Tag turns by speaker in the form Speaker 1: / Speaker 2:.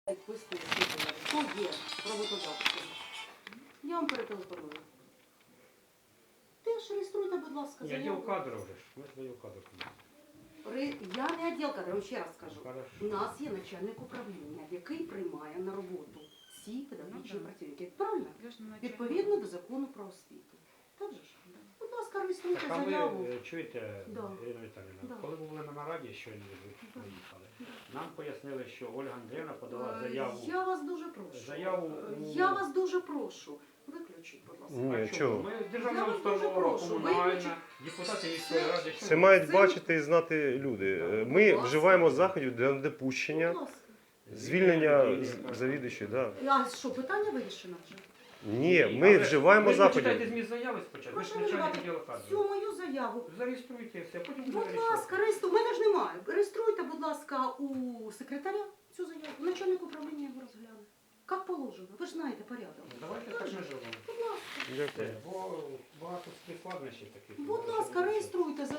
Speaker 1: Відписку хто є роботодавцем. Я вам перетелефоную. Теж реєструйте, будь ласка,
Speaker 2: Я
Speaker 1: заяву.
Speaker 2: діл кадрів вже ж. Ми ж діл кадрів.
Speaker 1: Я не відділ кадрів, я вам ще раз скажу.
Speaker 2: Хорошо.
Speaker 1: У нас є начальник управління, який приймає на роботу всі педагогічні працівники. Правильно? Відповідно до закону про освіту. Так же ж? Будь ласка, реєструйте
Speaker 2: Так, а
Speaker 1: заяву.
Speaker 2: ви чуєте,
Speaker 1: Да.
Speaker 2: Ірина Віталіївна,
Speaker 1: Да.
Speaker 2: коли ми були на нараді, щойно ви приїхали, нам пояснили, що Ольга Андріївна подала заяву.
Speaker 1: Я вас дуже прошу.
Speaker 2: Заяву
Speaker 1: Я вас дуже прошу. Виключіть, будь ласка.
Speaker 3: Ні,
Speaker 2: А
Speaker 3: чого?
Speaker 2: Ми
Speaker 1: Я
Speaker 2: державна
Speaker 1: вас дуже
Speaker 2: установа,
Speaker 1: прошу,
Speaker 2: комунальна,
Speaker 1: виключіть.
Speaker 2: депутати міської ради.
Speaker 3: Це мають
Speaker 1: Це-
Speaker 3: бачити і знати люди. Ми
Speaker 1: Будь
Speaker 3: вживаємо
Speaker 1: ласка.
Speaker 3: заходів для недопущення,
Speaker 1: Будь ласка.
Speaker 3: звільнення завідувачів. Да.
Speaker 1: А що, питання вирішено вже?
Speaker 3: Ні, ми вживаємо
Speaker 2: Ви
Speaker 3: заходів.
Speaker 2: почитайте зміст заяви спочатку, ви ж
Speaker 1: Прошу
Speaker 2: начальник
Speaker 1: вживати
Speaker 2: відділу
Speaker 1: всю
Speaker 2: кадрів.
Speaker 1: мою заяву.
Speaker 2: Зареєструйте все, потім
Speaker 1: Будь
Speaker 2: буде
Speaker 1: ласка, реєструйте. У мене ж немає. Реєструйте, будь ласка, у секретаря цю заяву. Начальник управління його розгляне. Як положено. Ви ж знаєте порядок.
Speaker 2: Давайте так ми живемо.
Speaker 1: Будь ласка.
Speaker 3: Дякую.
Speaker 2: Бо багато складнощів таких.
Speaker 1: Будь ласка, реєструйте